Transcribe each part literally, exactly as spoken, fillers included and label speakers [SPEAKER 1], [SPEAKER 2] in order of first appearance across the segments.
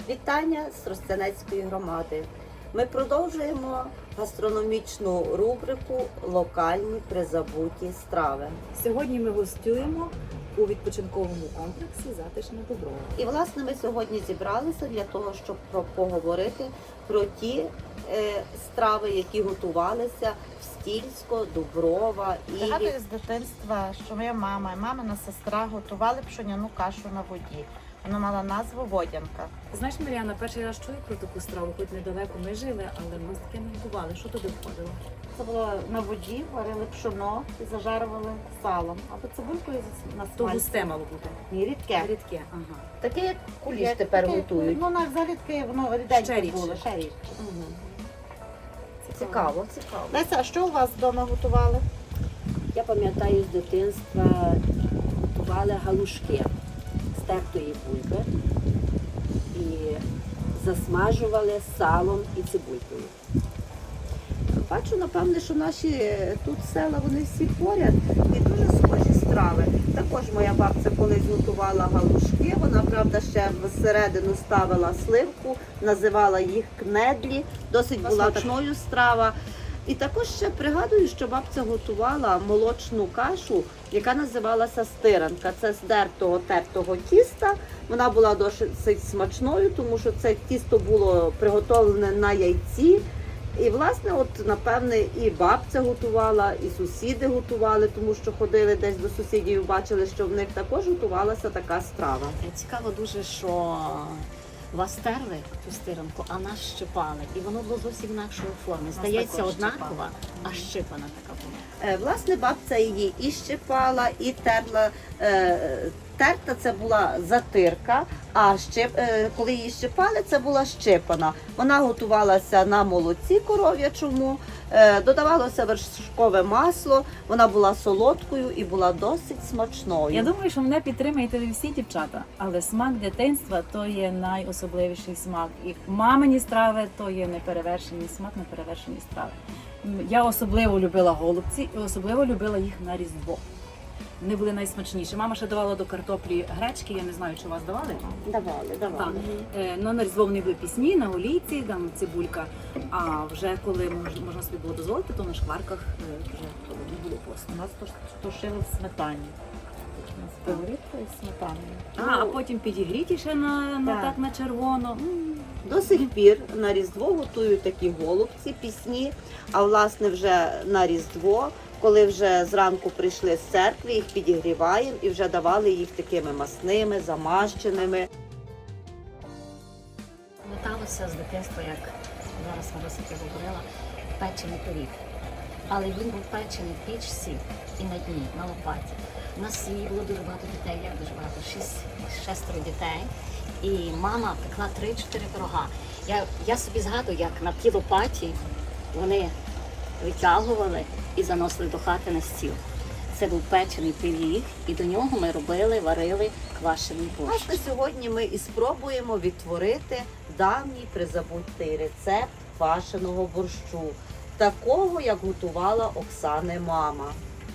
[SPEAKER 1] Вітання з Тростянецької громади. Ми продовжуємо гастрономічну рубрику «Локальні призабуті страви».
[SPEAKER 2] Сьогодні ми гостюємо у відпочинковому комплексі «Затишне Дуброва».
[SPEAKER 1] І, власне, ми сьогодні зібралися для того, щоб про- поговорити про ті е, страви, які готувалися в Стільсько, Дуброва і...
[SPEAKER 3] Пригадую з дитинства, що моя мама і мамина сестра готували пшеняну кашу на воді. Вона мала назву водянка.
[SPEAKER 2] Знаєш, Мар'яна, перший раз чую про таку страву, хоч недалеко ми жили, але ми таке не готували. Що туди входило?
[SPEAKER 3] Це було на воді, варили пшоно і зажарували салом. Або цибулькою на
[SPEAKER 2] То
[SPEAKER 3] смальці.
[SPEAKER 2] густе мало бути.
[SPEAKER 3] Ні, рідке.
[SPEAKER 2] Рідке, ага.
[SPEAKER 1] Таке, як куліш
[SPEAKER 3] Як
[SPEAKER 1] тепер
[SPEAKER 3] таке,
[SPEAKER 1] готують.
[SPEAKER 3] Ну, на взагалі таке, воно
[SPEAKER 2] Ще
[SPEAKER 3] ріденьке
[SPEAKER 2] рідше.
[SPEAKER 3] було, ще рідше.
[SPEAKER 1] Угу. Цікаво, цікаво.
[SPEAKER 3] Леся, а що у вас вдома готували?
[SPEAKER 4] Я пам'ятаю з дитинства готували галушки з тертої бульби і засмажували салом і цибулькою.
[SPEAKER 1] Бачу, напевне, що наші тут села, вони всі поряд і дуже схожі страви. Також моя бабця колись готувала галушки, вона, правда, ще всередину ставила сливку, називала їх кнедлі, досить була смачною страва. І також ще пригадую, що бабця готувала молочну кашу, яка називалася стиранка. Це з дертого тертого тіста. Вона була досить смачною, тому що це тісто було приготовлене на яйці. І, власне, от, напевне, і бабця готувала, і сусіди готували, тому що ходили десь до сусідів і бачили, що в них також готувалася така страва.
[SPEAKER 4] Цікаво дуже, що вас терли ту стиранку, а нас щипали. І воно було зовсім інакшої форми. Здається,
[SPEAKER 2] також
[SPEAKER 4] однакова, а щипана така була.
[SPEAKER 1] Е, Власне, бабця її і щипала, і терла. Е, Терта це була затирка, а щип, е, коли її щипали, це була щипана. Вона готувалася на молоці коров'ячому, е, додавалося вершкове масло, вона була солодкою і була досить смачною.
[SPEAKER 2] Я думаю, що мене підтримаєте ви всі дівчата, але смак дитинства – то є найособливіший смак. І мамині страви – то є неперевершений смак, неперевершені страви. М, Я особливо любила голубці і особливо любила їх на Різдво. Вони були найсмачніші. Мама ще давала до картоплі гречки, я не знаю, чи у вас давали?
[SPEAKER 1] Давали, давали.
[SPEAKER 2] Так. Е, Ну, на Різдво вони були пісні, на олійці, там цибулька. А вже коли мож- можна собі було дозволити, то на шкварках е, вже то не було посту.
[SPEAKER 3] У нас тушили в сметані. З пиворіткою і сметаною.
[SPEAKER 2] А, а потім підігріті ще на, на,
[SPEAKER 3] Так.
[SPEAKER 2] так, на червоно. М.
[SPEAKER 1] До сих пір на Різдво готують такі голубці, пісні, а власне вже на Різдво, коли вже зранку прийшли з церкви, їх підігріваємо і вже давали їх такими масними, замащеними.
[SPEAKER 4] Пам'яталося з дитинства, як зараз Маруся говорила, печений пиріг. Але він був печений в пічці і на дні, на лопаті. У нас в сім'ї було дуже багато дітей, як дуже багато, шість, шестеро дітей. І мама пекла три-чотири пирога. Я, я собі згадую, як на тій лопаті вони витягували і заносили до хати на стіл. Це був печений пиріг, і до нього ми робили, варили квашений борщ.
[SPEAKER 1] Власне, сьогодні ми і спробуємо відтворити давній призабутий рецепт квашеного борщу, такого, як готувала Оксани мама.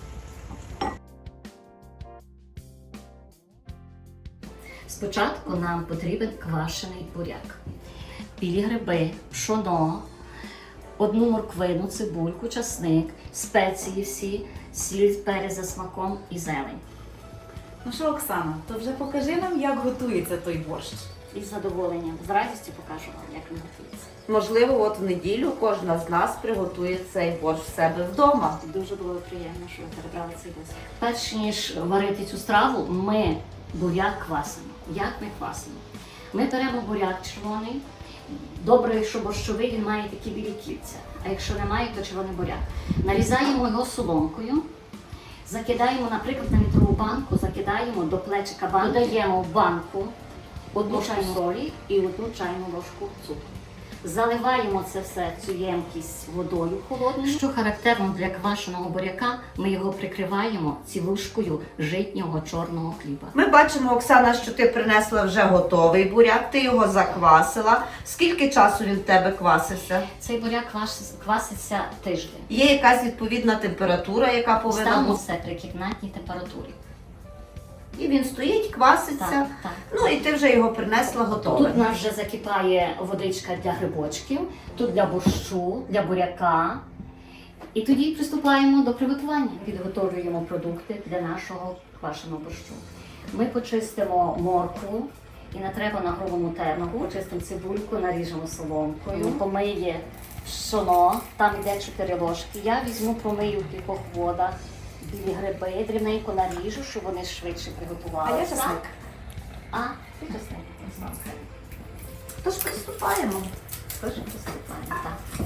[SPEAKER 4] Спочатку нам потрібен квашений буряк, білі гриби, пшоно, одну морквину, цибульку, часник, спеції всі, сіль, перець за смаком і зелень.
[SPEAKER 2] Ну що, Оксана, то вже покажи нам, як готується той борщ.
[SPEAKER 4] І з задоволенням, з радістю покажу вам, як він готується.
[SPEAKER 1] Можливо, от в неділю кожна з нас приготує цей борщ в себе вдома.
[SPEAKER 4] Дуже було приємно, що ви перебрали цей досвід. Перш ніж варити цю страву, ми буряк квасимо. Як ми квасимо? Ми беремо буряк червоний. Добре, що борщовий, він має такі білі кільця. А якщо немає, то червоний буряк. Нарізаємо його соломкою, закидаємо, наприклад, на літрову банку, закидаємо до плечика банки, додаємо в банку одну чайну солі і одну чайну ложку цукру. Заливаємо це все, цю ємкість водою холодною. Що характерно для квашеного буряка, ми його прикриваємо цілушкою житнього чорного хліба.
[SPEAKER 1] Ми бачимо, Оксана, що ти принесла вже готовий буряк, ти його заквасила. Скільки часу він в тебе квасився?
[SPEAKER 4] Цей буряк квас- кваситься тиждень.
[SPEAKER 1] Є якась відповідна температура, яка повинна
[SPEAKER 4] Ставимо
[SPEAKER 1] бути?
[SPEAKER 4] все при кімнатній температурі.
[SPEAKER 1] І він стоїть, кваситься.
[SPEAKER 4] Так, так.
[SPEAKER 1] Ну і ти вже його принесла готове.
[SPEAKER 4] Тут у нас вже закипає водичка для грибочків, тут для борщу, для буряка. І тоді приступаємо до приготування. Підготовлюємо продукти для нашого квашеного борщу. Ми почистимо моркву і натреба на грубому тернову, почистимо цибульку, наріжемо соломкою, помиє пшоно, там йде чотири ложки. Я візьму, промию в кількох водах білі гриби, дрібненько наріжу, щоб вони швидше приготувалися.
[SPEAKER 1] А я чесник.
[SPEAKER 4] А, ти чесник.
[SPEAKER 1] Тож приступаємо.
[SPEAKER 4] Тож приступаємо, так.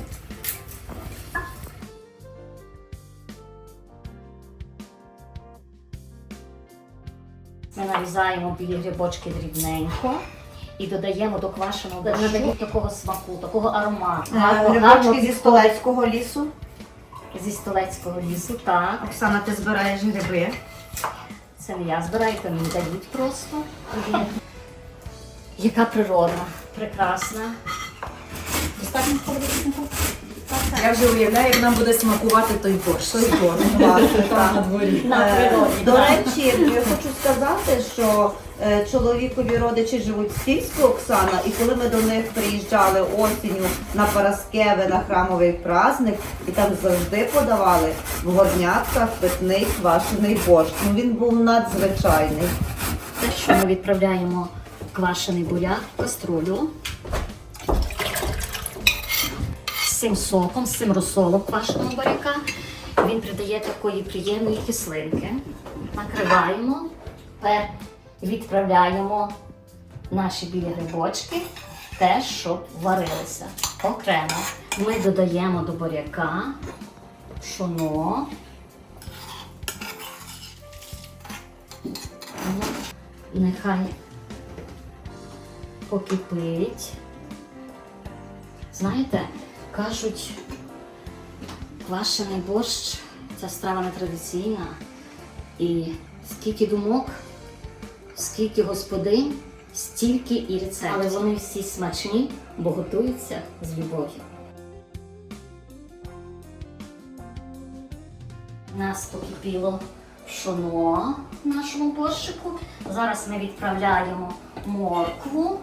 [SPEAKER 4] Ми нарізаємо білі грибочки дрібненько і додаємо до квашеного борщу такого смаку, такого аромату. Гарно- гарно
[SPEAKER 1] Грибочки зі
[SPEAKER 4] підходить.
[SPEAKER 1] Столецького лісу.
[SPEAKER 4] Зі Столецького лісу, так.
[SPEAKER 1] Оксана, ти збираєш гриби.
[SPEAKER 4] Це не я збираю, то мені дають просто. Яка природа, прекрасна. Достатньо холодильнику?
[SPEAKER 2] Я вже уявляю, як нам буде смакувати той борщ.
[SPEAKER 1] Той борщ, власне, так.
[SPEAKER 2] На дворі.
[SPEAKER 4] На
[SPEAKER 1] Е,
[SPEAKER 4] природі.
[SPEAKER 1] До
[SPEAKER 4] так.
[SPEAKER 1] речі, я хочу сказати, що е, чоловікові родичі живуть в Сільську, Оксана, і коли ми до них приїжджали осінню на Параскеве, на храмовий праздник, і там завжди подавали в горнятках питний квашений борщ. Ну він був надзвичайний.
[SPEAKER 4] Те, що ми відправляємо квашений буряк в каструлю з цим соком, з цим розсолом квашеного буряка. Він придає такої приємної кислинки. Накриваємо, тепер відправляємо наші білі грибочки, теж, щоб варилися окремо. Ми додаємо до буряка пшоно. Нехай покипить. Знаєте, кажуть, квашений борщ, ця страва не традиційна. І скільки думок, скільки господинь, стільки і рецептів. Але вони всі смачні, бо готуються з любов'ю. У нас покипіло пшоно в нашому борщику. Зараз ми відправляємо моркву.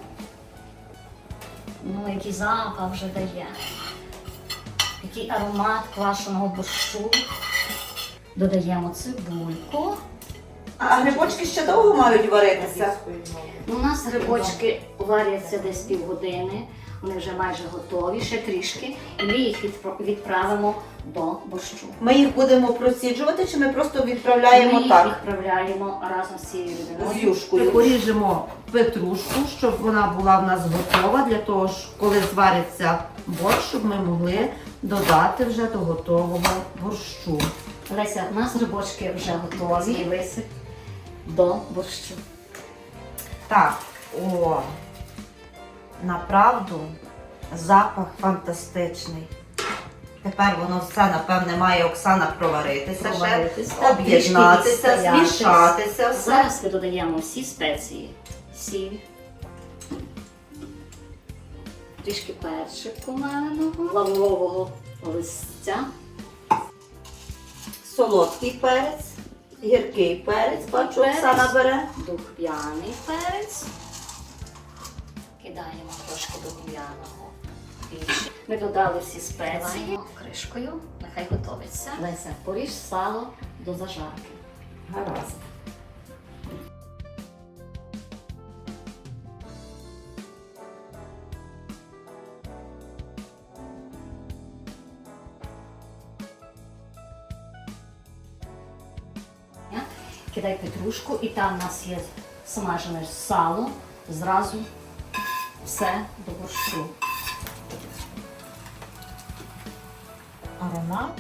[SPEAKER 4] Ну, який запах вже дає. Який аромат квашеного борщу. Додаємо цибульку.
[SPEAKER 1] А грибочки ще довго мають варитися?
[SPEAKER 4] У нас грибочки варяться десь півгодини. Вони вже майже готові, ще трішки. І ми їх відпра- відправимо до борщу.
[SPEAKER 1] Ми їх будемо проціджувати, чи ми просто
[SPEAKER 4] Ми
[SPEAKER 1] відправляємо
[SPEAKER 4] їх
[SPEAKER 1] так?
[SPEAKER 4] відправляємо разом з цією людиною.
[SPEAKER 1] З юшкою. Поріжемо петрушку, щоб вона була в нас готова, для того, ж, коли звариться борщ, щоб ми могли додати вже до готового борщу.
[SPEAKER 4] Леся, у нас грибочки вже готові. І висип до борщу.
[SPEAKER 1] Так, о, направду запах фантастичний. Тепер воно все, напевне, має Оксана проваритися,
[SPEAKER 4] Проваритися,
[SPEAKER 1] ще, об'єднатися,
[SPEAKER 4] трішки відстоятись.
[SPEAKER 1] змішатися все.
[SPEAKER 4] Зараз ми додаємо всі спеції. Сіль. Трішки перчику маленого, лаврового листя.
[SPEAKER 1] Солодкий перець, гіркий перець, бачу,
[SPEAKER 4] Перець.
[SPEAKER 1] Оксана бере.
[SPEAKER 4] Духмяний перець. Кидаємо трошки духмяного. Більше. Ми додали всі спеції. Кришкою, нехай готовиться. Леся, поріж сало до зажарки.
[SPEAKER 1] Гаразд.
[SPEAKER 4] Кидай петрушку, і там у нас є смажене сало. Зразу все до борщу.
[SPEAKER 3] Аромат.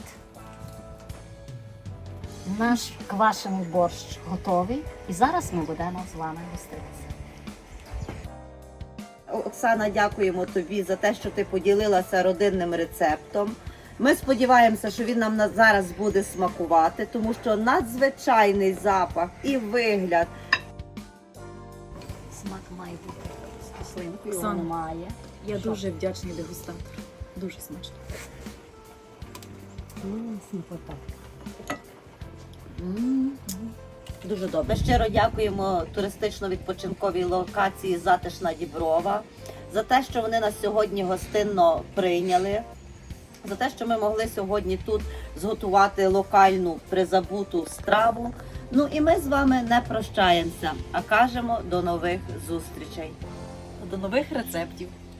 [SPEAKER 4] Наш квашений борщ готовий. І зараз ми будемо з вами гоститися.
[SPEAKER 1] Оксана, дякуємо тобі за те, що ти поділилася родинним рецептом. Ми сподіваємося, що він нам на- зараз буде смакувати, тому що надзвичайний запах і вигляд.
[SPEAKER 4] Смак має бути з кислинкою,
[SPEAKER 2] Оксана,
[SPEAKER 4] воно має.
[SPEAKER 2] Я
[SPEAKER 4] Що?
[SPEAKER 2] дуже вдячний дегустатору. Дуже смачно.
[SPEAKER 4] М, смакота. М.
[SPEAKER 1] Дуже добре. Щиро дякуємо туристично-відпочинковій локації Затишна Діброва за те, що вони нас сьогодні гостинно прийняли, за те, що ми могли сьогодні тут зготувати локальну призабуту страву. Ну і ми з вами не прощаємося, а кажемо до нових зустрічей.
[SPEAKER 2] До нових рецептів.